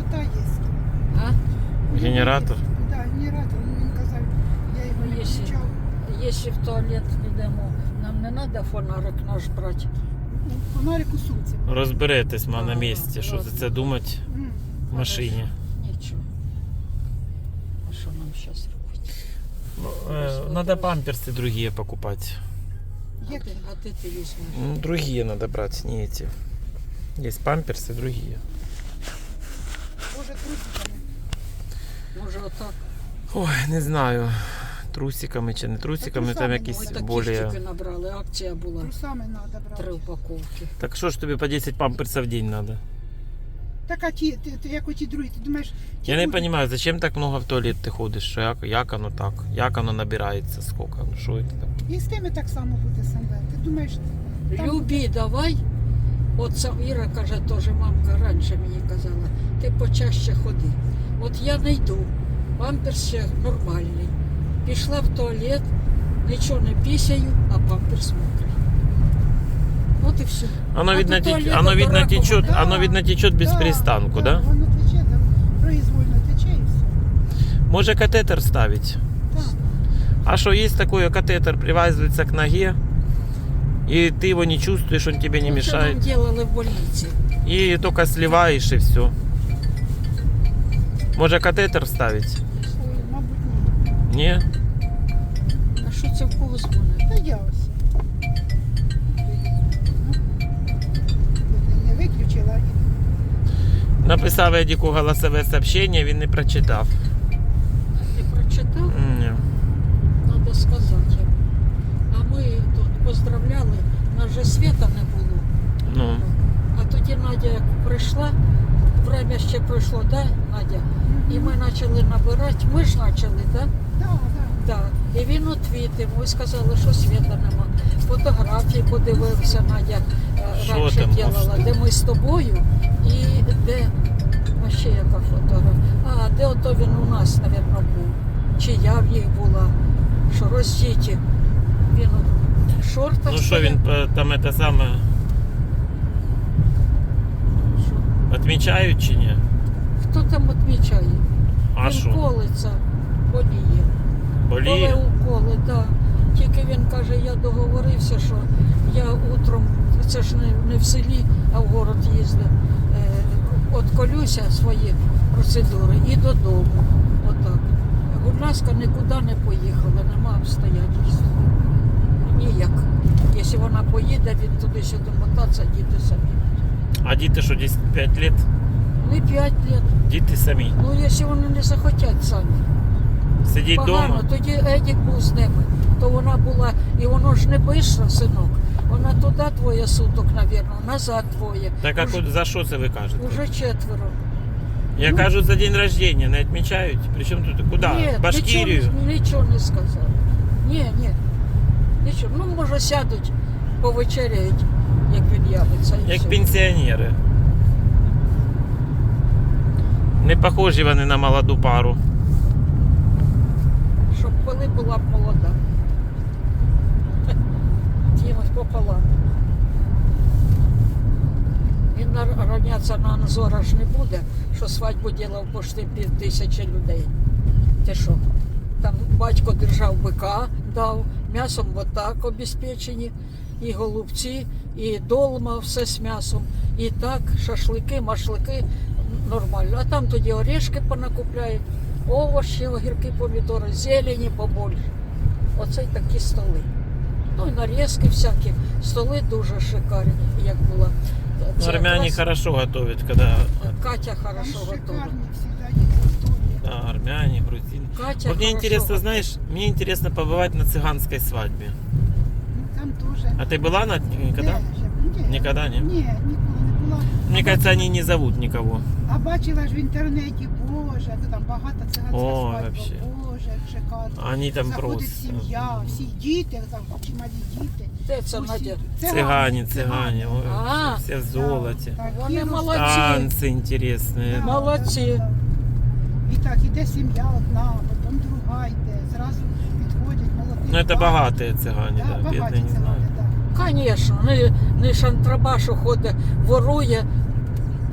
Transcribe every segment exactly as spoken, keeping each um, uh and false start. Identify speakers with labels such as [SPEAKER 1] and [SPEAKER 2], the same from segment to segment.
[SPEAKER 1] Кислота є.
[SPEAKER 2] А?
[SPEAKER 3] Генератор?
[SPEAKER 1] Так, генератор. Ну, він казав, я його не
[SPEAKER 2] Якщо-
[SPEAKER 1] включав.
[SPEAKER 2] Якщо в туалет йдемо, нам не треба фонарик наш брати.
[SPEAKER 1] Ну, фонарик у сумці.
[SPEAKER 3] Розберетесь, ма на
[SPEAKER 2] Ага,
[SPEAKER 3] місці, що
[SPEAKER 2] ладно.
[SPEAKER 3] за це думати
[SPEAKER 1] М.
[SPEAKER 3] в машині.
[SPEAKER 2] Нічого. А що нам зараз робити?
[SPEAKER 3] Надо памперсы другие покупать.
[SPEAKER 2] А
[SPEAKER 1] Як?
[SPEAKER 2] ти, а ти ти візьмеш?
[SPEAKER 3] Ну, другие надо брать, не эти. Есть памперсы другие.
[SPEAKER 1] Може, трусиками.
[SPEAKER 2] Може отак?
[SPEAKER 3] Ой, не знаю. Трусиками чи не трусиками, там
[SPEAKER 1] трусами,
[SPEAKER 3] якісь
[SPEAKER 2] Ми такі
[SPEAKER 3] более...
[SPEAKER 2] штуки набрали, акція була.
[SPEAKER 1] Трусами треба
[SPEAKER 2] Три
[SPEAKER 1] брати.
[SPEAKER 2] упаковки.
[SPEAKER 3] Так що ж тобі по десять памперсов в день надо?
[SPEAKER 1] Так, а ті, ти, ти, як оті другі, ти думаєш... ті
[SPEAKER 3] Я не
[SPEAKER 1] будуть-
[SPEAKER 3] понимаю, зачем так много в туалет ти ходиш? Що як, як оно так? Як оно набирається? Сколько? Ну що це таке?
[SPEAKER 1] І з тими так само буде саме. Ти думаєш, там
[SPEAKER 2] Любі, давай. От сам Іра каже, теж мамка раніше мені казала, ти почаще ходи. От я не йду, памперс ще нормальний. Пішла в туалет, нічого не пісяю, а памперс мокрий. От і все.
[SPEAKER 3] Оно
[SPEAKER 2] А
[SPEAKER 3] видно,
[SPEAKER 2] до
[SPEAKER 3] теч...
[SPEAKER 2] туалета
[SPEAKER 3] оно
[SPEAKER 2] до
[SPEAKER 3] видно
[SPEAKER 2] ракового.
[SPEAKER 3] течет,
[SPEAKER 1] Да,
[SPEAKER 3] оно видно течет без
[SPEAKER 1] да,
[SPEAKER 3] перестанку, да?
[SPEAKER 1] Воно тече, там, произвольно тече і все.
[SPEAKER 3] Може катетер ставить?
[SPEAKER 1] Так.
[SPEAKER 3] А что есть такое, катетер привязывается к ноге, и ты его не чувствуешь, он тебе не
[SPEAKER 2] Ну, що нам
[SPEAKER 3] мешает.
[SPEAKER 2] делали в больниці?
[SPEAKER 3] И только сливаешь и все. Может катетер ставить?
[SPEAKER 1] Ой, мабуть, ні.
[SPEAKER 3] Не?
[SPEAKER 2] А що це в кого дзвонить?
[SPEAKER 1] Та я ось. Ну, не виключила.
[SPEAKER 3] Написав Едіку голосове сообщение, він не прочитав.
[SPEAKER 2] Ти прочитав?
[SPEAKER 3] Ні.
[SPEAKER 2] Надо сказати йому. А ми тут поздравляли, нас же світа не було.
[SPEAKER 3] Ну,
[SPEAKER 2] А тоді Надя як прийшла, время ще пройшло, да, Надя? І ми почали набирати, ми ж почали, да?
[SPEAKER 1] Так, так.
[SPEAKER 2] Да. І він відвітив, ми сказали, що світа нема. Фотографії подивився, Надя е,
[SPEAKER 3] Що
[SPEAKER 2] раніше
[SPEAKER 3] там?
[SPEAKER 2] робила, де ми з тобою і де, а ще яка фотографія. А, де ото він у нас, мабуть, був. Чи я в їх була, що роздіті. Він у шортах.
[SPEAKER 3] ну що
[SPEAKER 2] стояв.
[SPEAKER 3] він е, там це саме
[SPEAKER 2] Що?
[SPEAKER 3] відмічають чи ні?
[SPEAKER 2] Хто там відмічає?
[SPEAKER 3] А
[SPEAKER 2] він
[SPEAKER 3] що?
[SPEAKER 2] колиться, боліє.
[SPEAKER 3] Боліє?
[SPEAKER 2] Коли уколи, так. Тільки він каже, я договорився, що я утром, це ж не, не в селі, а в город їздив, е, отколюся свої процедури і додому. Отак. Будь ласка, нікуди не поїхала, нема обстоятельств. Ніяк. Якщо вона поїде, він туди-сюди мотатися, діти самі.
[SPEAKER 3] А діти що, десять п'ять років?
[SPEAKER 2] Не п'ять років.
[SPEAKER 3] Діти самі.
[SPEAKER 2] Ну, якщо вони не захотять самі.
[SPEAKER 3] Сидіть
[SPEAKER 2] Погано,
[SPEAKER 3] вдома?
[SPEAKER 2] тоді Едік був з ними, то вона була, і воно ж не бистро, синок. Вона туди двоє суток, мабуть, назад двоє.
[SPEAKER 3] Так а
[SPEAKER 2] Уже,
[SPEAKER 3] ку- за що це ви кажете?
[SPEAKER 2] уже четверо.
[SPEAKER 3] Я
[SPEAKER 2] ну-
[SPEAKER 3] кажу, за день рождения не відмічають. Причому тут куди?
[SPEAKER 2] Ні,
[SPEAKER 3] В Башкирію?
[SPEAKER 2] Нічого, нічого не сказав. Ні, ні. Нічого. Ну, може, сядуть, повечеряють, як він явиться. І
[SPEAKER 3] Як
[SPEAKER 2] все.
[SPEAKER 3] пенсіонери. Не похожі вони на молоду пару.
[SPEAKER 2] Щоб коли була б молода. Тімось пополам. Він на- равнятися на Анзора ж не буде, що свадьбу ділав пошти пів тисячі людей. Ти що? Там батько держав бика, дав, м'ясом отак обезпечені, і голубці, і долма, все з м'ясом. І так, шашлики, машлики, нормально. А там тоді орешки понакупляють, овочі, огірки, помідори, зелені побольше. Оце й такі столи. Ну і нарізки всякі. Столи дуже шикарні, як була.
[SPEAKER 3] Ну,
[SPEAKER 2] Це
[SPEAKER 3] армяне
[SPEAKER 2] якраз
[SPEAKER 3] хорошо готовят, когда...
[SPEAKER 2] Катя
[SPEAKER 1] Там
[SPEAKER 2] хорошо готова.
[SPEAKER 1] шикарні всегда є готові.
[SPEAKER 3] Да, армяне, грузины.
[SPEAKER 2] Катя
[SPEAKER 3] Вот мне
[SPEAKER 2] хорошо
[SPEAKER 3] интересно,
[SPEAKER 2] готова.
[SPEAKER 3] знаешь, мне интересно побывать на цыганской свадьбе.
[SPEAKER 1] Ну, там теж.
[SPEAKER 3] А ты была на никогда?
[SPEAKER 1] Ні, ні.
[SPEAKER 3] Никогда, не?
[SPEAKER 1] Ні, ніколи не була.
[SPEAKER 3] Мне
[SPEAKER 1] А
[SPEAKER 3] кажется,
[SPEAKER 1] бачила-
[SPEAKER 3] они не зовут никого.
[SPEAKER 1] А бачила ж в інтернеті, боже, ну, там багато циганська
[SPEAKER 3] О,
[SPEAKER 1] свадьба,
[SPEAKER 3] вообще.
[SPEAKER 1] боже, як шикарно.
[SPEAKER 3] Они там
[SPEAKER 1] Заходить
[SPEAKER 3] просто...
[SPEAKER 1] сім'я, всі діти, там чималі діти.
[SPEAKER 2] Де це,
[SPEAKER 1] Усі-
[SPEAKER 2] Надя?
[SPEAKER 3] Цыгане, цыгане, ой,
[SPEAKER 2] А,
[SPEAKER 3] все в золоте.
[SPEAKER 2] Вони
[SPEAKER 1] Такі
[SPEAKER 2] молодці.
[SPEAKER 3] Танцы интересные.
[SPEAKER 1] Да,
[SPEAKER 2] Молодці.
[SPEAKER 1] да, да. І так, іде сім'я одна, потім друга йде, зразу підходять молоді.
[SPEAKER 3] Ну это
[SPEAKER 1] пари.
[SPEAKER 3] богатые цыгане,
[SPEAKER 1] Да,
[SPEAKER 3] да,
[SPEAKER 1] багаті
[SPEAKER 3] бедные не знаю.
[SPEAKER 1] цигани, да.
[SPEAKER 2] Звісно, не, не шантрабашу ходить, ворує,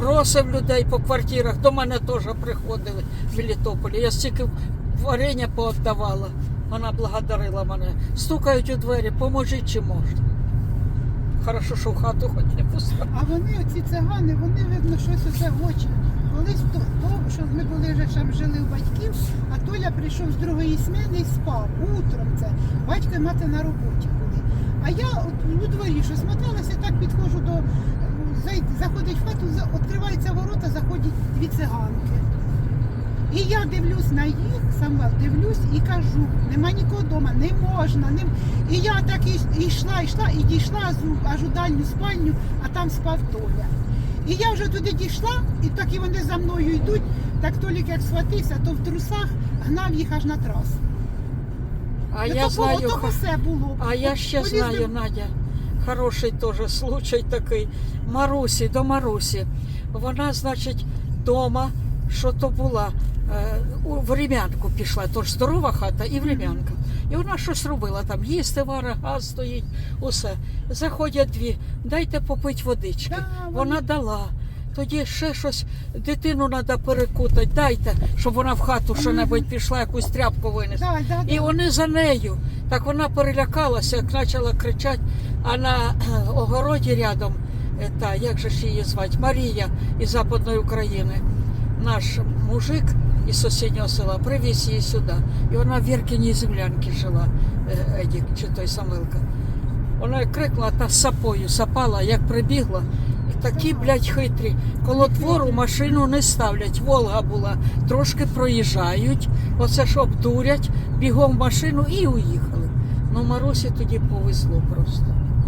[SPEAKER 2] бросив людей по квартирах. До мене теж приходили в Мелітополі. Я стільки варення поотдавала. Вона благодарила мене. Стукають у двері, поможіть чи можна. Хорошо, що в хату хоч не пускали.
[SPEAKER 1] А вони, оці цигани, вони, видно, щось оце в очі. Колись то, то, що ми були вже там жили у батьків, а Толя прийшов з другої сміни і спав. Утром це. Батько і мати на роботі були. А я от у дворі щось моталася, так підходжу до... зай- Заходить в хату, за- відкриваються ворота, заходять дві циганки. І я дивлюсь на їх, сама дивлюсь і кажу, нема нікого вдома, не можна. Не... І я так і йшла, йшла, і дійшла аж у- аж у дальню спальню, а там спав Толя. І я вже туди дійшла, і так і вони за мною йдуть, так Толік як схватився, то в трусах гнав їх аж на трасу.
[SPEAKER 2] А
[SPEAKER 1] Ну,
[SPEAKER 2] я
[SPEAKER 1] то
[SPEAKER 2] знаю,
[SPEAKER 1] було, то все було.
[SPEAKER 2] а я ще
[SPEAKER 1] Полізли-
[SPEAKER 2] знаю, Надя, хороший теж случай такий. Марусі, до Марусі. Вона, значить, дома, що то була, е, у врем'янку пішла, тож здорова хата і врем'янка. І вона щось робила там, їсти вара, газ стоїть, усе. Заходять дві, дайте попити водички.
[SPEAKER 1] Да,
[SPEAKER 2] Вона дала. Тоді ще щось, дитину треба перекутати, дайте, щоб вона в хату що-небудь пішла, якусь тряпку винесла.
[SPEAKER 1] Да, да,
[SPEAKER 2] І
[SPEAKER 1] да.
[SPEAKER 2] вони за нею. Так вона перелякалася, як почала кричати, а на е, огороді рядом, е, та, як же ж її звати, Марія із Западної України, наш мужик із сусіднього села привіз її сюди. І вона в Віркіній землянці жила, е, Едік, чи той Самилка. Вона як крикнула, та з сапою сапала, як прибігла. І такі, блядь, хитрі. Коло двору машину не ставлять. Волга була. Трошки проїжджають, оце ж обдурять, бігом в машину і уїхали. Ну, Марусі тоді повезло просто.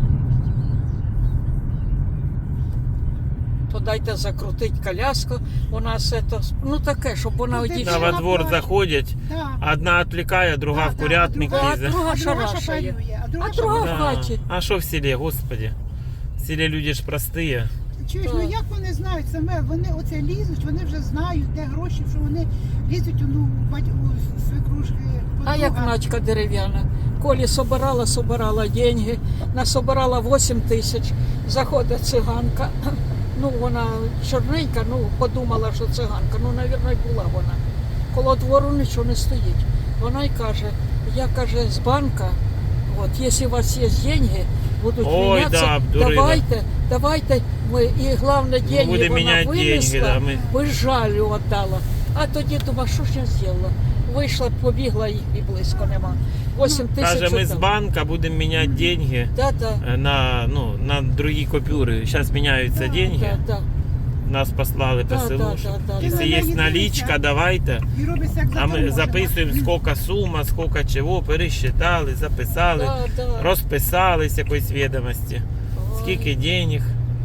[SPEAKER 2] То дайте закрутить коляску, вона все то, ну таке, щоб вона
[SPEAKER 1] Ну, ти
[SPEAKER 2] одійшла.
[SPEAKER 3] Да, во
[SPEAKER 1] на
[SPEAKER 3] двор
[SPEAKER 1] платі.
[SPEAKER 3] заходять,
[SPEAKER 1] Да.
[SPEAKER 3] одна відвлікає, друга
[SPEAKER 1] Да,
[SPEAKER 3] в
[SPEAKER 1] да,
[SPEAKER 3] курятник
[SPEAKER 1] а друга-
[SPEAKER 3] лізе.
[SPEAKER 2] А друга
[SPEAKER 1] А друга
[SPEAKER 2] шарашає.
[SPEAKER 1] шапалює, а друга
[SPEAKER 2] А друга
[SPEAKER 1] шапалює.
[SPEAKER 2] в
[SPEAKER 3] Да.
[SPEAKER 2] хаті.
[SPEAKER 3] А що в селі, господи? В селі люди ж прості.
[SPEAKER 1] Чуєш,
[SPEAKER 2] Так.
[SPEAKER 1] ну як вони знають саме, вони оце лізуть, вони вже знають, де гроші, що вони лізуть у, ну, бать- у свекрушки.
[SPEAKER 2] А як
[SPEAKER 1] подруга.
[SPEAKER 2] Надька дерев'яна. Колі собирала, собирала деньги, насобирала вісім тисяч. Заходить циганка. Ну, вона чорненька, ну, подумала, що циганка. Ну, мабуть, була вона. Коло двору нічого не стоїть. Вона й каже, я, каже, з банка, от, якщо у вас є деньги, будуть
[SPEAKER 3] Ой,
[SPEAKER 2] мінятися,
[SPEAKER 3] да, обдурила.
[SPEAKER 2] давайте, давайте, ми, і головне, деньги
[SPEAKER 3] Буде
[SPEAKER 2] вона
[SPEAKER 3] міняти
[SPEAKER 2] винесла,
[SPEAKER 3] деньги, да, ми-
[SPEAKER 2] без жалю віддала. А тоді думаю, що ж я зробила? Вийшла, побігла, їх і близько нема. вісім тисяч.
[SPEAKER 3] Каже, ми з
[SPEAKER 2] віддала.
[SPEAKER 3] банка будемо міняти деньги
[SPEAKER 2] Да, да.
[SPEAKER 3] е, на, ну, на другі купюри. Зараз міняються
[SPEAKER 1] Да,
[SPEAKER 3] деньги.
[SPEAKER 2] Да, да.
[SPEAKER 3] Нас послали по
[SPEAKER 2] Да,
[SPEAKER 3] селу.
[SPEAKER 2] да,
[SPEAKER 3] що
[SPEAKER 2] да, да,
[SPEAKER 3] Якщо
[SPEAKER 1] да.
[SPEAKER 3] є
[SPEAKER 1] Ти
[SPEAKER 3] налічка,
[SPEAKER 1] надієшся.
[SPEAKER 3] давайте.
[SPEAKER 1] І робиться як
[SPEAKER 3] А ми
[SPEAKER 1] заторможена.
[SPEAKER 3] записуємо, скільки сума, скільки чого, пересчитали, записали,
[SPEAKER 2] Да, да.
[SPEAKER 3] розписались якоїсь відомості,
[SPEAKER 2] Ой.
[SPEAKER 3] скільки денег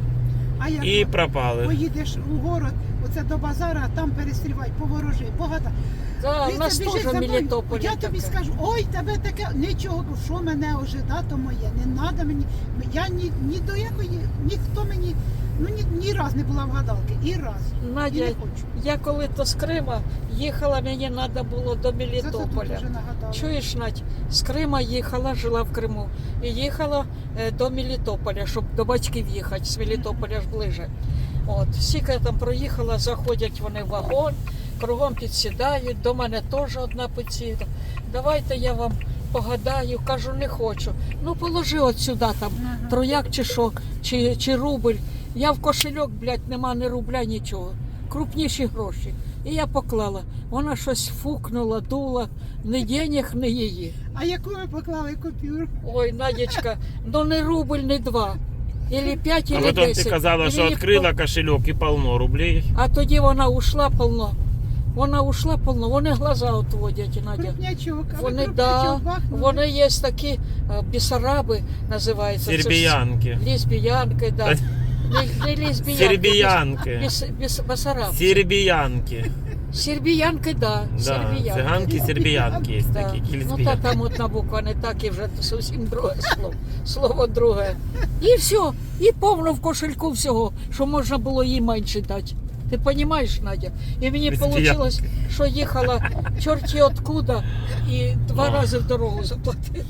[SPEAKER 1] А як
[SPEAKER 3] і
[SPEAKER 1] от
[SPEAKER 3] пропали.
[SPEAKER 1] поїдеш у город, оце до базара, а там перестрівай, поворожи, багато.
[SPEAKER 2] Да, у
[SPEAKER 1] Ти
[SPEAKER 2] нас
[SPEAKER 1] це
[SPEAKER 2] теж
[SPEAKER 1] біжиш за мною,
[SPEAKER 2] Мелітополь.
[SPEAKER 1] Я тобі скажу, ой, тебе таке, нічого, що мене ожида, то моє, не треба мені. Я ні, ні до якої, ніхто мені, ну ні, ні раз не була в гадалки, і раз. І
[SPEAKER 2] Надя,
[SPEAKER 1] не хочу.
[SPEAKER 2] я коли то з Крима їхала, мені треба було до
[SPEAKER 1] Зато тут
[SPEAKER 2] Мелітополя.
[SPEAKER 1] вже нагадала.
[SPEAKER 2] Чуєш, Надь, з Крима їхала, жила в Криму. І їхала е, до Мелітополя, щоб до батьків їхати, з Мелітополя ж ближе. От, скільки я там проїхала, заходять вони в вагон, кругом підсідають, до мене теж одна підсіда. Давайте я вам погадаю, кажу, не хочу. Ну положи от сюди там,
[SPEAKER 1] Ага.
[SPEAKER 2] трояк чи що, чи, чи рубль. Я в кошельок, блядь, нема ні рубля, нічого. Крупніші гроші. І я поклала. Вона щось фукнула, дула, ні денег, ні її.
[SPEAKER 1] А яку ви поклали купюру?
[SPEAKER 2] Ой, Надечка, ну не рубль, не два. Ілі п'ять,
[SPEAKER 3] А
[SPEAKER 2] ілі
[SPEAKER 3] потім
[SPEAKER 2] десять.
[SPEAKER 3] ти казала,
[SPEAKER 2] Ілі
[SPEAKER 3] що
[SPEAKER 2] їх
[SPEAKER 3] відкрила кошельок і полно рублей.
[SPEAKER 2] А тоді вона ушла полно. Вона ушла полно, вони глаза отводять, Надя.
[SPEAKER 1] Крупнячок. А ви
[SPEAKER 2] Вони,
[SPEAKER 1] крупнячок
[SPEAKER 2] да,
[SPEAKER 1] бахнули?
[SPEAKER 2] вони є такі е, бісараби, називаються. Це ж
[SPEAKER 3] Сербіянки.
[SPEAKER 2] Лесбіянки, да. Не, не лесбіянки.
[SPEAKER 3] Сербіянки.
[SPEAKER 2] Біс, біс, басараб.
[SPEAKER 3] Сербіянки.
[SPEAKER 2] Сербіянки, да.
[SPEAKER 3] Да,
[SPEAKER 2] Сербіянки.
[SPEAKER 3] циганки, сербіянки є
[SPEAKER 2] Да.
[SPEAKER 3] такі,
[SPEAKER 2] Ну та
[SPEAKER 3] лесбіянки.
[SPEAKER 2] там одна буква не так і вже зовсім друге слово. Слово друге. І все. І повно в кошельку всього, що можна було їй менше дати. Ти розумієш, Надя? І мені
[SPEAKER 3] Лесбіянки.
[SPEAKER 2] вийшло, що їхала чорті откуда і два
[SPEAKER 3] О.
[SPEAKER 2] рази в дорогу заплатила.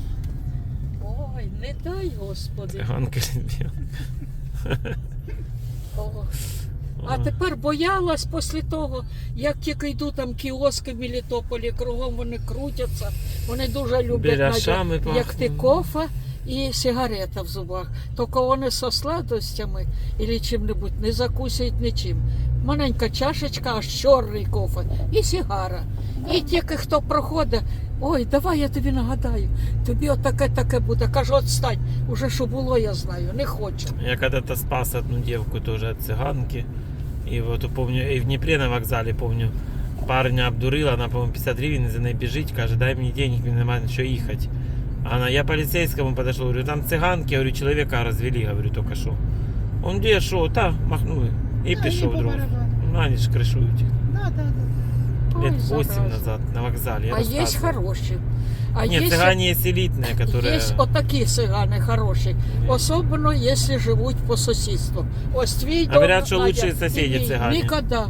[SPEAKER 2] Ой, не дай, Господи.
[SPEAKER 3] Циганки, лесбіянки.
[SPEAKER 2] О. А тепер боялась після того, як тільки йду там кіоски в Мелітополі, кругом вони крутяться, вони дуже люблять
[SPEAKER 3] Біляшами
[SPEAKER 2] Надя, як ти
[SPEAKER 3] пахнуть.
[SPEAKER 2] кофе і сигарета в зубах. Тільки вони со сладостями або чим-небудь не закусують нічим. Маленька чашечка, аж чорний кофе і сигара. І тільки хто проходить, ой, давай я тобі нагадаю, тобі отаке-таке буде. Кажу, отстань, уже що було, я знаю, не хочу.
[SPEAKER 3] Я когда-то спас одну девку тоже от цыганки. И вот помню, и в Днепре на вокзале, помню, парня обдурила, она, по-моему, пятьдесят гривен за ней бежить, каже, дай мне денег, мне нема на что ехать. А Она, я полицейскому подошел, говорю, там цыганки, говорю, человека развели, говорю, только что. Он где, шо, та, махнули. И
[SPEAKER 1] Да,
[SPEAKER 3] пішов
[SPEAKER 1] і по
[SPEAKER 3] друг.
[SPEAKER 1] барабану.
[SPEAKER 3] Ну, они ж крышуют.
[SPEAKER 1] Да, да, да.
[SPEAKER 3] Лет
[SPEAKER 2] Ой,
[SPEAKER 3] восемь
[SPEAKER 2] зараза.
[SPEAKER 3] назад на вокзале. Я
[SPEAKER 2] А є
[SPEAKER 3] рассказывал.
[SPEAKER 2] хороші. А
[SPEAKER 3] Нет,
[SPEAKER 2] є
[SPEAKER 3] цыгане есть элитные, которые...
[SPEAKER 2] Є отакі цигани хороші, особливо, якщо живуть по сусідству. Ось твій дом,
[SPEAKER 3] Говорят, що
[SPEAKER 2] Надя,
[SPEAKER 3] лучші сусіди
[SPEAKER 2] і мій.
[SPEAKER 3] цигані.
[SPEAKER 2] Ніколи.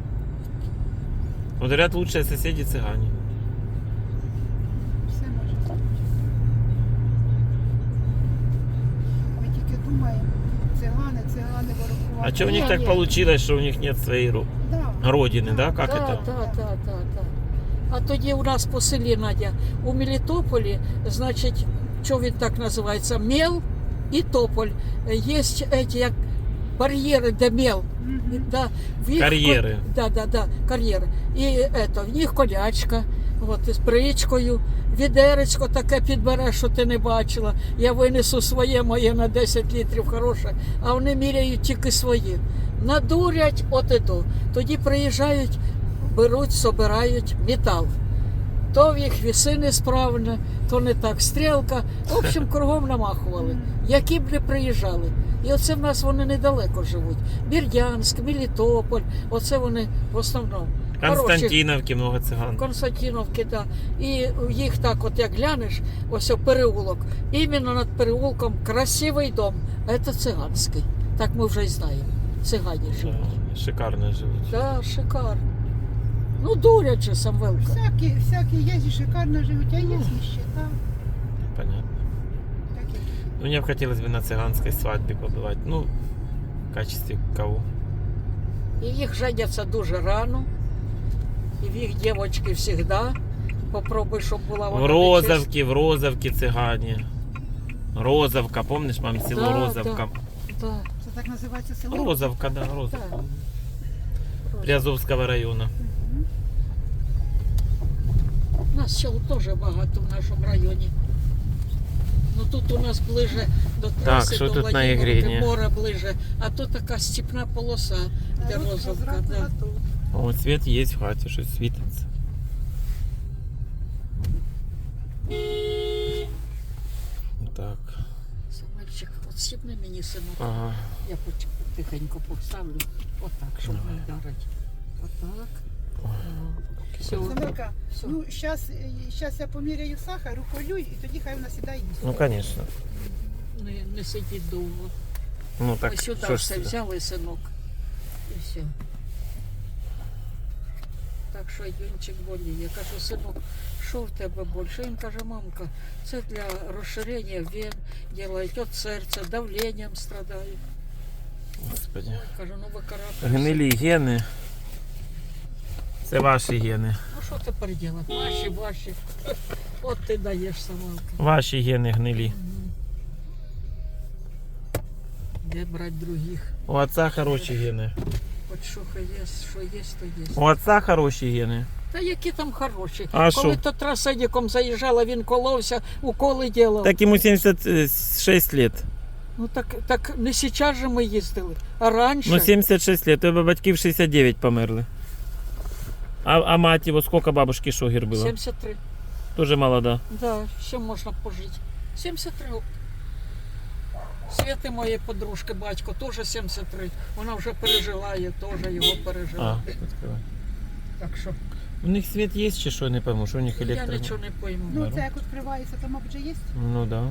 [SPEAKER 3] Вот говорят, лучшие соседи цыгане.
[SPEAKER 1] Все може бути. Ми тільки думаємо, цигани, цигани, ворогувати.
[SPEAKER 3] А что у них
[SPEAKER 2] Не,
[SPEAKER 3] так
[SPEAKER 2] не.
[SPEAKER 3] получилось, что у них нет своей ру-
[SPEAKER 1] Да.
[SPEAKER 3] родины, да? Как
[SPEAKER 2] Так,
[SPEAKER 3] это?
[SPEAKER 2] так, так, так, так. А тоді у нас по селі, Надя, у Мелітополі, значить, що він так називається, мел і тополь. Є эти, як бар'єри, де мел.
[SPEAKER 1] Мгм.
[SPEAKER 2] Да, в їх
[SPEAKER 3] Кар'єри.
[SPEAKER 2] ко- Да, да, да, кар'єри. І ето, в них колячка, от, із бричкою, відеречко таке підбереш, що ти не бачила. Я винесу своє, моє на десять літрів хороше, а вони міряють тільки свої. Надурять от і до. Тоді приїжджають, беруть, собирають метал. То в їх віси несправні, то не так стрілка. В общем, кругом намахували. Які б не приїжджали. І оце в нас вони недалеко живуть. Бердянськ, Мелітополь, оце вони в основному. Хороші.
[SPEAKER 3] Константиновки много цыган.
[SPEAKER 2] Константиновки, да. І їх так, от як глянеш, ось о, переулок. Іменно над переулком красивий дом. Це циганський. Так ми вже й знаємо. Цигані живуть.
[SPEAKER 3] Да, шикарно живут.
[SPEAKER 2] Да, шикарно. Ну, дурять же, Самвелка.
[SPEAKER 1] Всякі, всякі є і шикарно живуть, а є нищета.
[SPEAKER 3] Понятно.
[SPEAKER 1] Такі.
[SPEAKER 3] Ну, мне бы хотелось бы на цыганской свадьбе побывать. Ну, в качестве кого?
[SPEAKER 2] І їх женяться дуже рано. І в їх дівчатки завжди. Попробуй, щоб була
[SPEAKER 3] В
[SPEAKER 2] вона
[SPEAKER 3] Розовке, в Розовке цыгане. Розовка, помнишь, мам, село
[SPEAKER 2] Да,
[SPEAKER 3] Розовка?
[SPEAKER 2] нечиста. Да.
[SPEAKER 1] Це так називається село?
[SPEAKER 3] Розовка, да, Розовка.
[SPEAKER 2] Да.
[SPEAKER 3] Приазовского района.
[SPEAKER 1] Мгм.
[SPEAKER 2] У нас сел теж багато в нашому районі. Ну тут у нас ближе до траси,
[SPEAKER 3] що
[SPEAKER 2] до
[SPEAKER 3] тут на
[SPEAKER 2] Владимировки,
[SPEAKER 3] Ігрині?
[SPEAKER 2] море ближе. А тут така степна полоса, де
[SPEAKER 1] А от
[SPEAKER 2] Розовка.
[SPEAKER 1] зранку
[SPEAKER 2] Да.
[SPEAKER 1] готово.
[SPEAKER 3] О, свет есть в хате, что светится. Так.
[SPEAKER 2] Самальчик, от стіпни мені, синок.
[SPEAKER 3] Ага.
[SPEAKER 2] Я поч- тихенько поставлю. Отак, щоб не вдарити. Отак. Все.
[SPEAKER 1] Самилка,
[SPEAKER 2] Все.
[SPEAKER 1] ну зараз щас я поміряю сахар, уколю, і тоді хай вона сідає їсти.
[SPEAKER 3] Ну, конечно.
[SPEAKER 2] Не, не сидіть довго.
[SPEAKER 3] Ну, так,
[SPEAKER 2] Ось сюди
[SPEAKER 3] що ж
[SPEAKER 2] все
[SPEAKER 3] це?
[SPEAKER 2] взяли, синок. І все. Так що Юнчик боліє. Я кажу, синок, що в тебе більше? Він каже, мамка, це для розширення вен делають, от серця, давленням страдаю.
[SPEAKER 3] Господи.
[SPEAKER 2] Кажу, ну викарабкайся.
[SPEAKER 3] Гнилі гени. Це ваші гени.
[SPEAKER 2] Ну що тепер робити? Ваші, ваші. От ти даєш, Самалка.
[SPEAKER 3] Ваші гени гнилі.
[SPEAKER 2] Де брати других?
[SPEAKER 3] У отца хороші гени.
[SPEAKER 2] От що є, що є, то є.
[SPEAKER 3] У отца хороші гени.
[SPEAKER 2] Та які там хороші.
[SPEAKER 3] А
[SPEAKER 2] Коли
[SPEAKER 3] що?
[SPEAKER 2] то траседіком заїжджала, він коловся, уколи ділав.
[SPEAKER 3] Так ему семьдесят шесть лет.
[SPEAKER 2] Ну так, так не зараз же ми їздили, а раніше.
[SPEAKER 3] Ну, семьдесят шесть лет. У тебе батьки в шестьдесят девять померли. А, а мать его, сколько бабушки Шогер было?
[SPEAKER 2] сімдесят три.
[SPEAKER 3] Тоже молода.
[SPEAKER 2] Да, ще можна пожити. сімдесят три. Світи моєї подружки, батько, теж сімдесят три. Вона вже пережила, я теж його
[SPEAKER 3] А,
[SPEAKER 2] пережила.
[SPEAKER 3] відкривай.
[SPEAKER 2] Так що
[SPEAKER 3] У них свет есть, чи що, не пойму, що у них
[SPEAKER 2] я
[SPEAKER 3] електро.
[SPEAKER 2] нічого не пойму.
[SPEAKER 1] Ну, це як відкривається, то, мабуть, вже є.
[SPEAKER 3] Ну да.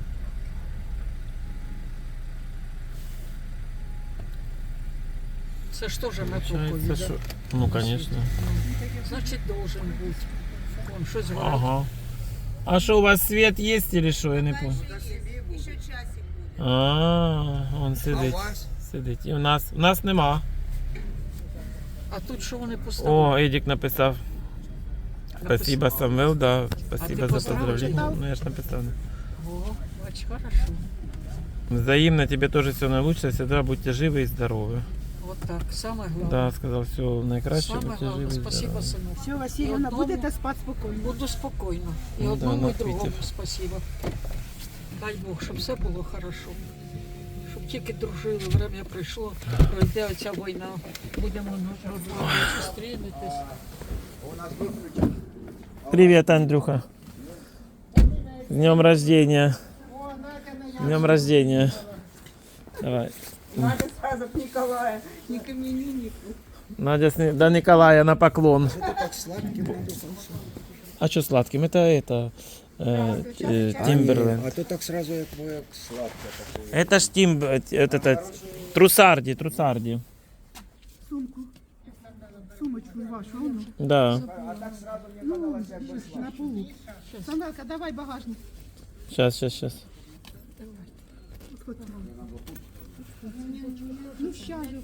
[SPEAKER 2] Це ж теж на токові,
[SPEAKER 3] Получается,
[SPEAKER 2] да?
[SPEAKER 3] що... Ну, конечно.
[SPEAKER 2] Значить, должен бути. Вон, щось горить.
[SPEAKER 3] Ага. А что, у вас свет есть или что? Я не помню.
[SPEAKER 4] Еще часик будет.
[SPEAKER 3] А, он сидить.
[SPEAKER 4] А у вас?
[SPEAKER 3] Сидить. І у нас, у нас нема.
[SPEAKER 2] А тут що вони поставили?
[SPEAKER 3] О, Едік написав. Спасибо, Самвел, да. Спасибо
[SPEAKER 2] ти
[SPEAKER 3] за
[SPEAKER 2] поставив,
[SPEAKER 3] поздравление.
[SPEAKER 1] читав?
[SPEAKER 3] Ну, я ж написал.
[SPEAKER 2] О, бач, хорошо.
[SPEAKER 3] Взаимно, тебе тоже все наилучшее. Всегда будьте живы и здоровы.
[SPEAKER 2] Вот так, саме головне.
[SPEAKER 3] Да, сказал, все наикраще,
[SPEAKER 2] Саме
[SPEAKER 3] будьте живы
[SPEAKER 2] головне,
[SPEAKER 3] и
[SPEAKER 2] спасибо,
[SPEAKER 3] здоровы.
[SPEAKER 2] сину.
[SPEAKER 1] Все, Васильівна,
[SPEAKER 2] Одному-
[SPEAKER 1] будете спати спокійно.
[SPEAKER 2] Буду спокійно. І
[SPEAKER 3] Ну да,
[SPEAKER 2] одному,
[SPEAKER 3] на
[SPEAKER 2] і другому
[SPEAKER 3] квітів.
[SPEAKER 2] спасибо. Дай Бог, щоб все було хорошо. Щоб тільки дружили, время прийшло, пройде оця війна. Будемо на зустрінутись.
[SPEAKER 3] Привет, Андрюха. С днем рождения. С днем рождения. Давай.
[SPEAKER 4] Надо сразу к Николаю, не к имениннику.
[SPEAKER 3] Надя с Ни- до Николая на поклон. А что сладким? Это это э, э, Тимберленд.
[SPEAKER 5] А то так сразу як, як сладке таке.
[SPEAKER 3] Это ж Тим, это, это Трусарди, Трусарди.
[SPEAKER 1] Сумку. Сумочку вашу, ну,
[SPEAKER 3] Да.
[SPEAKER 1] на полу. Самвелка, давай багажник.
[SPEAKER 3] Сейчас, сейчас, сейчас.
[SPEAKER 1] Ну, ща же.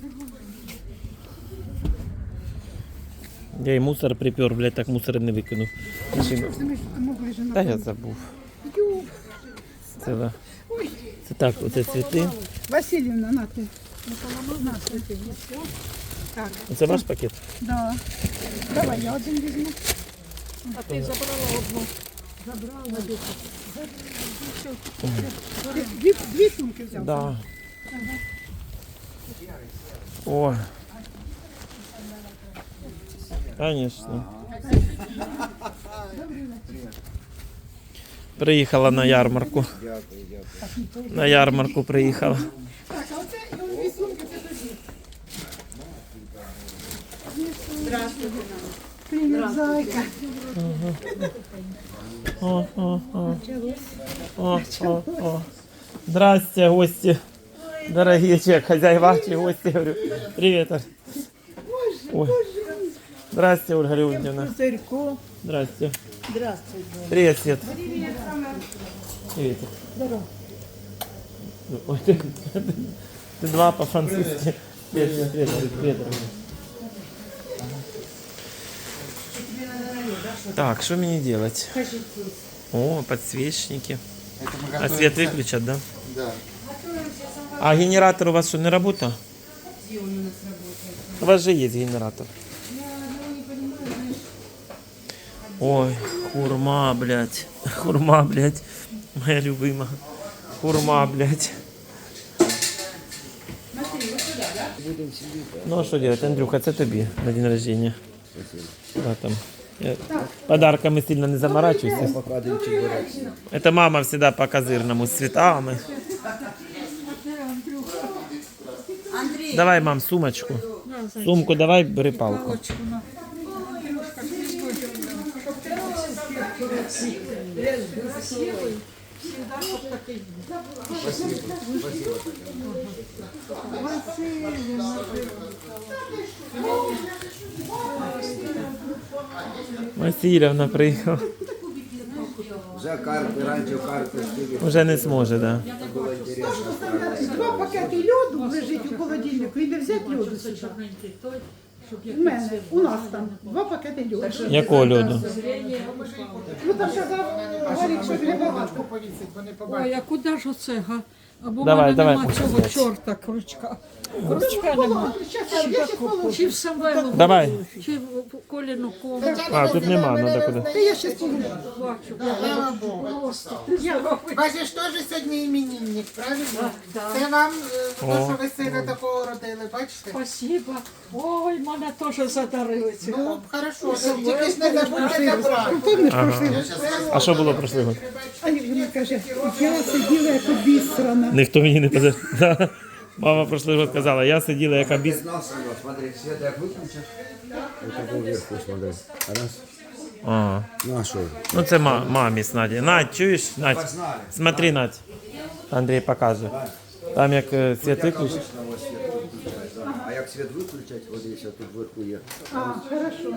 [SPEAKER 3] Я и мусор припер, блядь, так мусор не викинув. Машину.
[SPEAKER 1] Ти ми ж могли ж
[SPEAKER 3] Та
[SPEAKER 1] на
[SPEAKER 3] я забув.
[SPEAKER 1] Ю.
[SPEAKER 3] Це, да. Це так, оце цвіти.
[SPEAKER 1] Васильівна, на ти. На ти. Так,
[SPEAKER 3] Це ваш пакет?
[SPEAKER 1] да. Давай, я один візьму.
[SPEAKER 2] А ти забрала одну.
[SPEAKER 1] Ти Дві, дві сумки взяв.
[SPEAKER 3] Да. О. Конечно. Приїхала на ярмарку. На ярмарку приїхала.
[SPEAKER 1] Так, а оце і он дві сумки, це тобі. Здравствуйте. Привіт, зайка.
[SPEAKER 3] О, о, о. О, о, о. Здрасте, гости. Дорогие человек, хозяева, чи гости, говорю. Привет. Оль. Ой. Здрасте, Ольга Леонидовна.
[SPEAKER 4] Царько.
[SPEAKER 3] Здрасте.
[SPEAKER 4] Здравствуйте.
[SPEAKER 3] Привет, Свет. Привет.
[SPEAKER 1] Здорово.
[SPEAKER 3] Ой, ты, ты, ты два по-французски. Привет, привет, привет, привет. Так, что мне делать? О, подсвечники. А свет выключат, да?
[SPEAKER 5] Да.
[SPEAKER 3] А генератор у вас что, не работает? У вас же есть генератор. Ой, хурма, блядь. Хурма, блядь. Моя любимая. Хурма, блядь. Ну а что делать, Андрюха, це тобі на день рождения. Да, там. Я подарками сильно не заморачивайся.
[SPEAKER 5] Поки один чебурек.
[SPEAKER 3] Это мама всегда по козырному с цветами. Давай, мам, сумочку. Сумку давай, бери палку. Васильівна приїхала.
[SPEAKER 5] Вже карти, раніше карти скільки
[SPEAKER 3] Уже не зможе, да.
[SPEAKER 5] було інтересно.
[SPEAKER 1] Два пакети льоду лежить у холодильнику і не взяти льоду сюди. У мене, у нас там два пакети льоду.
[SPEAKER 3] Якого льоду?
[SPEAKER 1] Ну там казав Гарік, що для багато.
[SPEAKER 2] Ой, а куди ж оце, га? Або в
[SPEAKER 3] Давай,
[SPEAKER 2] мене
[SPEAKER 3] давай.
[SPEAKER 2] нема цього чорта крючка. Крючка нема.
[SPEAKER 1] Щас, я ще положу.
[SPEAKER 2] Чи в Самвелу,
[SPEAKER 3] Давай.
[SPEAKER 2] чи в Коліну кому.
[SPEAKER 3] А, тут нема, надо куди.
[SPEAKER 1] Та я ще положу.
[SPEAKER 2] Бачу. Просто.
[SPEAKER 6] Бачиш, теж сьогодні іменинник, правильно? Це вам, е, то, що ви сина такого родили, бачите?
[SPEAKER 2] Спасибо. Ой, мене теж задарили ці.
[SPEAKER 6] Ну, хорошо, тільки ж не забудьте забрати.
[SPEAKER 1] Помниш прошлий год?
[SPEAKER 3] А що було прошлий год?
[SPEAKER 1] А вона каже, я сиділа як обісрана.
[SPEAKER 3] Ніхто мені не казав. Да. Мама прошлий год казала, я сиділа як обіс.
[SPEAKER 5] Знав себе, смотри, світ як виключиш. Ось вверху смотри. Раз.
[SPEAKER 3] А,
[SPEAKER 5] Ну а що?
[SPEAKER 3] ну це ма- мамі з Наді. Надь, чуєш? Надь,
[SPEAKER 5] Познали.
[SPEAKER 3] смотри, Надь. Андрій покаже. Там як е, світ
[SPEAKER 5] Як
[SPEAKER 3] виключить.
[SPEAKER 5] обично ось світ виключаєш, да. А як світ виключать, ось десь тут вверху є.
[SPEAKER 1] А, хорошо.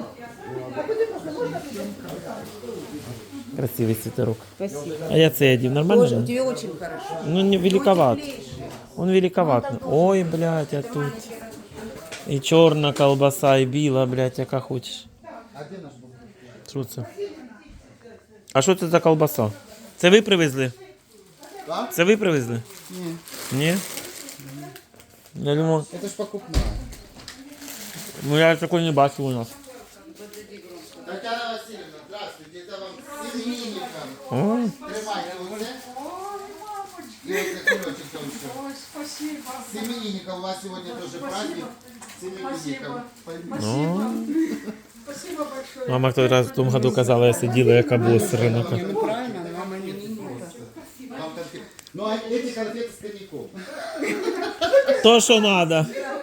[SPEAKER 3] Красивий світерок. Спасибо. А я це одів, нормально? же?
[SPEAKER 4] Тебе очень хорошо.
[SPEAKER 3] Ну, не великоват. Он великоват. Ой, блядь, а тут. І чорна колбаса, і біла, блядь, яка хочеш.
[SPEAKER 5] А де наш був?
[SPEAKER 3] Що це? А що це за колбаса? Це ви привезли?
[SPEAKER 5] А?
[SPEAKER 3] Це ви привезли?
[SPEAKER 5] Ні.
[SPEAKER 3] Ні? Я думав,
[SPEAKER 5] Це ж покупна.
[SPEAKER 3] ну я такої не бачив у нас.
[SPEAKER 5] Татьяна Васильевна, здравствуйте. Это вам с именинником.
[SPEAKER 3] О,
[SPEAKER 5] Тримайте оце. І оце кульочок там ще.
[SPEAKER 2] Ой, спасибо.
[SPEAKER 5] С именинником у вас сегодня тоже праздник. С именинником.
[SPEAKER 2] Спасибо большое.
[SPEAKER 3] мама в той раз в тому году казала, я сиділа як обосрана.
[SPEAKER 4] Правильно, мама именинника.
[SPEAKER 5] Вам конфеты. Ну а эти конфеты с коньяком.
[SPEAKER 3] То, що надо.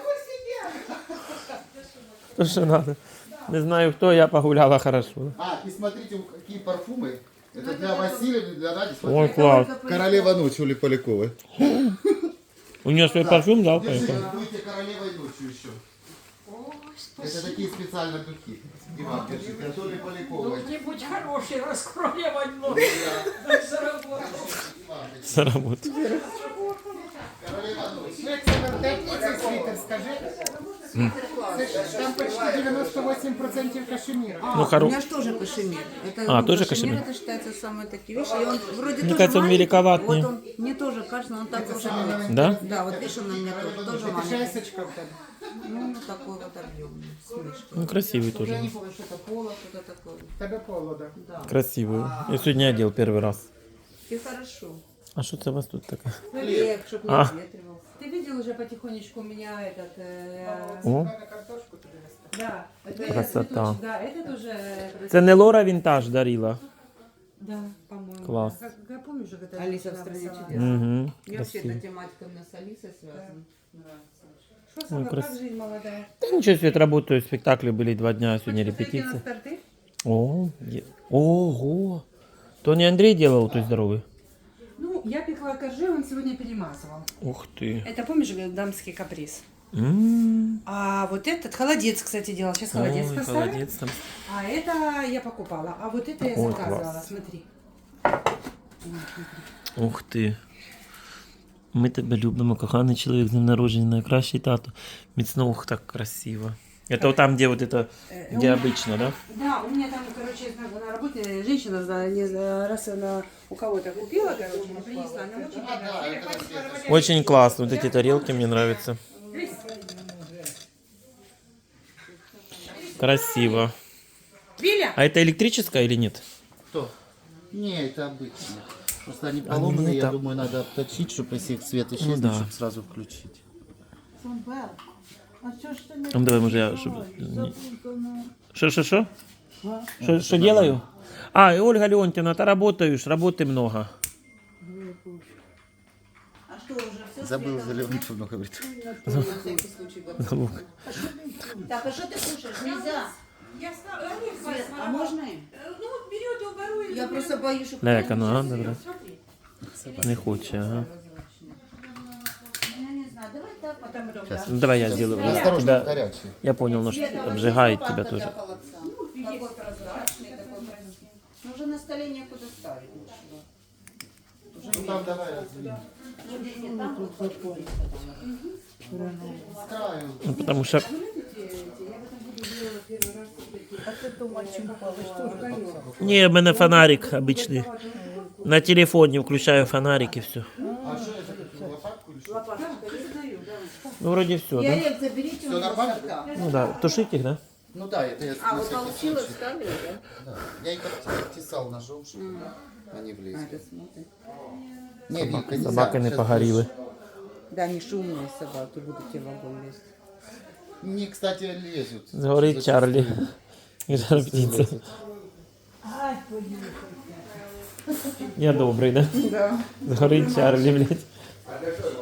[SPEAKER 3] То, що надо. Не знаю хто, я погуляла хорошо.
[SPEAKER 5] А, и смотрите, какие парфумы. Это для Васильевны, для Ради.
[SPEAKER 3] Ой,
[SPEAKER 5] Смотрите.
[SPEAKER 3] клас.
[SPEAKER 5] Королева ночи Оли Поляковой.
[SPEAKER 3] У нее свой парфюм, да?
[SPEAKER 5] Держите,
[SPEAKER 3] поехал?
[SPEAKER 5] будете королевой ночью еще. Это такие специально духи. И вам держите. От Оли Поляковой.
[SPEAKER 2] Кто-нибудь хороший раскроевать ночь. Так заработал.
[SPEAKER 3] За работу.
[SPEAKER 5] Королева ночи.
[SPEAKER 6] Ну, як це вертепниця світер, скажи. Це ж там почти дев'яносто вісім відсотків кашеміра.
[SPEAKER 4] А,
[SPEAKER 3] Ну,
[SPEAKER 4] у
[SPEAKER 3] хоро-
[SPEAKER 4] меня же тоже кашемир. Это,
[SPEAKER 3] А,
[SPEAKER 4] ну,
[SPEAKER 3] тоже
[SPEAKER 4] кашемир?
[SPEAKER 3] кашемир?
[SPEAKER 4] Это считается самые такие вещи. И он вроде
[SPEAKER 3] Мне
[SPEAKER 4] тоже
[SPEAKER 3] кажется, он
[SPEAKER 4] маленький.
[SPEAKER 3] великоват,
[SPEAKER 4] Вот
[SPEAKER 3] не?
[SPEAKER 4] он, мне тоже кажется, он так уже маленький.
[SPEAKER 3] Да?
[SPEAKER 4] Да, вот видишь, он на меня тоже, тоже
[SPEAKER 6] Це
[SPEAKER 4] маленький.
[SPEAKER 6] шесочка в тебе.
[SPEAKER 4] Ну, ну, такой вот объемный, с мышкой.
[SPEAKER 3] Ну, красивый
[SPEAKER 4] Я
[SPEAKER 3] тоже.
[SPEAKER 4] не помню, что это поло, что-то такое.
[SPEAKER 6] В тебе холода.
[SPEAKER 4] Да.
[SPEAKER 3] Красивый. Я сегодня одел первый раз.
[SPEAKER 4] И хорошо.
[SPEAKER 3] А что это у вас тут такое?
[SPEAKER 4] Хлеб, чтобы не
[SPEAKER 3] А.
[SPEAKER 4] ответривался.
[SPEAKER 7] Ты видел уже потихонечку у меня этот... э,
[SPEAKER 3] О,
[SPEAKER 6] На картошку тобі нести.
[SPEAKER 7] да, это
[SPEAKER 3] Красота.
[SPEAKER 7] цветочек, да, это тоже...
[SPEAKER 3] це не Лора Вінтаж дарила?
[SPEAKER 7] Да, по-моему.
[SPEAKER 3] Класс.
[SPEAKER 7] Как, как помнишь, как это
[SPEAKER 4] Алиса в
[SPEAKER 7] женщина
[SPEAKER 4] стране
[SPEAKER 7] написала?
[SPEAKER 4] чудес.
[SPEAKER 3] Угу.
[SPEAKER 4] Мне вообще
[SPEAKER 3] Красиво.
[SPEAKER 4] эта тематика у меня с Алисой связана. Нравится.
[SPEAKER 7] Что самое,
[SPEAKER 3] крас-
[SPEAKER 7] как жизнь молодая?
[SPEAKER 3] Да ничего себе, работаю, спектакли были два дня, сегодня
[SPEAKER 7] Хочешь зайти на
[SPEAKER 3] репетиция.
[SPEAKER 7] старты?
[SPEAKER 3] О, е- ого. То не Андрей делал, то здоровый?
[SPEAKER 7] Ну, я пекла коржи, он сегодня перемазывал.
[SPEAKER 3] Ух ты.
[SPEAKER 7] Это, помнишь, говорил, дамский каприз?
[SPEAKER 3] М.
[SPEAKER 7] А вот этот холодец, кстати, делал. Сейчас холодец
[SPEAKER 3] Ой,
[SPEAKER 7] поставим.
[SPEAKER 3] холодец там.
[SPEAKER 7] А это я покупала. А вот это я
[SPEAKER 3] Ой,
[SPEAKER 7] заказывала.
[SPEAKER 3] класс.
[SPEAKER 7] Смотри.
[SPEAKER 3] Ух ти. Ми тебе любимо, коханий чоловік, з днем народження, найкращий тато. Міцно, ух, так красиво. Это вот там, где вот это, где обычно, да?
[SPEAKER 7] Да, у меня там, короче, на, на работе женщина, да, не знаю, раз она у кого-то купила, короче, не принесла. Она очень понравилась.
[SPEAKER 3] Очень классно. Вот эти тарелки мне нравятся. Красиво.
[SPEAKER 7] Виля!
[SPEAKER 3] А это электрическая или нет?
[SPEAKER 5] Кто? Не, это обычно. Просто они
[SPEAKER 3] Они
[SPEAKER 5] поломанные,
[SPEAKER 3] не
[SPEAKER 5] я
[SPEAKER 3] так.
[SPEAKER 5] думаю, надо обточить, чтобы если их свет исчезнет,
[SPEAKER 3] да.
[SPEAKER 5] чтобы сразу включить.
[SPEAKER 3] Ну давай, может, я... Что, что, что? Что, что делаю? А, и Ольга Леонтьевна, ты работаешь, работы много.
[SPEAKER 4] А что, уже все?
[SPEAKER 5] Забыл зеленый много говорит.
[SPEAKER 4] На всякий случай. говорю. Так, а что ты кушаешь? Нельзя.
[SPEAKER 7] Я знаю,
[SPEAKER 4] Свет, а можно им?
[SPEAKER 7] ну вот берет и угорует.
[SPEAKER 4] Я просто боюсь, что...
[SPEAKER 3] Ляка, ну, а, добре.
[SPEAKER 7] Смотри.
[SPEAKER 3] Не хоче, ага.
[SPEAKER 4] Я не знаю, давай так, потом
[SPEAKER 5] Сейчас.
[SPEAKER 3] Ну давай я сделаю.
[SPEAKER 5] Осторожно,
[SPEAKER 3] Тебя-
[SPEAKER 5] горячий.
[SPEAKER 3] Я понял, но что обжигает тебя
[SPEAKER 4] Для
[SPEAKER 3] тоже.
[SPEAKER 4] холодца. Такой прозрачный, такой красивый. Но уже на столе некуда ставить ничего.
[SPEAKER 5] Ну там давай раздвинем.
[SPEAKER 4] Нет, там вот подходит.
[SPEAKER 5] С краю.
[SPEAKER 3] Ну, потому что не, у меня фонарик обычный. На телефоне включаю фонарик и все.
[SPEAKER 5] А что это такое? Лопатку или что?
[SPEAKER 3] Ну вроде все,
[SPEAKER 4] И
[SPEAKER 3] да?
[SPEAKER 4] Олег, заберите
[SPEAKER 5] Всё
[SPEAKER 4] у него
[SPEAKER 5] нормально?
[SPEAKER 4] сорта.
[SPEAKER 3] Ну да, тушить их, да?
[SPEAKER 5] Ну да, это я
[SPEAKER 4] А,
[SPEAKER 5] на
[SPEAKER 4] вот
[SPEAKER 5] всякий
[SPEAKER 4] получилось,
[SPEAKER 5] случай.
[SPEAKER 4] вставили, да?
[SPEAKER 5] Да. Я их обтесал ножом, чтобы они влезли.
[SPEAKER 4] Надо смотреть.
[SPEAKER 5] Не, Вилька, нельзя.
[SPEAKER 3] Собаки не
[SPEAKER 5] Сейчас
[SPEAKER 3] погоріли.
[SPEAKER 4] Да, они шумные собаки, будут тебе в огонь лезть.
[SPEAKER 5] будешь- Не, кстати, лезут.
[SPEAKER 3] Згорить Чарлі. Жар птиця. Я добрий, да?
[SPEAKER 4] Да.
[SPEAKER 3] Згорить Чарлі, блядь.